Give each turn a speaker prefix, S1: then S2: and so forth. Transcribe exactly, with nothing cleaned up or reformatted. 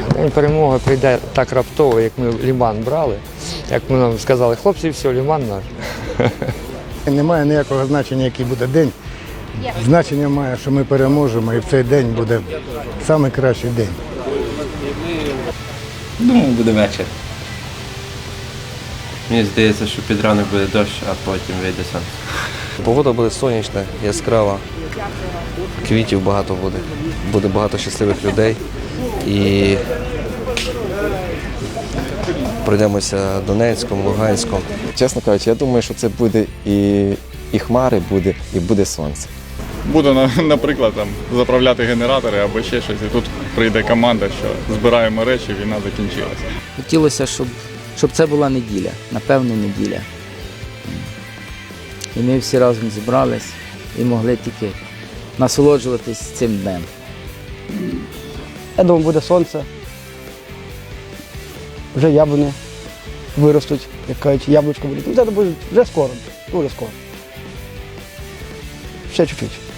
S1: День перемоги прийде так раптово, як ми Лиман брали, як ми нам сказали, хлопці, все, Лиман наш.
S2: Немає ніякого значення, який буде день. Значення має, що ми переможемо, і в цей день буде найкращий день.
S3: Думаю, буде вечір. Мені здається, що під ранок буде дощ, а потім вийде сонце.
S4: Погода буде сонячна, яскрава, квітів багато буде, буде багато щасливих людей і пройдемося Донецьком, Луганськом.
S5: Чесно кажучи, я думаю, що це буде і, і хмари буде, і буде сонце.
S6: Буду, наприклад, там, заправляти генератори або ще щось, і тут прийде команда, що збираємо речі, війна закінчилася.
S7: Хотілося, щоб, щоб це була неділя, напевно, неділя. І ми всі разом зібрались і могли тільки насолоджуватись цим днем.
S8: Я думаю, буде сонце. Вже яблуні виростуть, як кажуть, яблучко буде. Це буде вже скоро, дуже скоро. Ще чуть-чуть.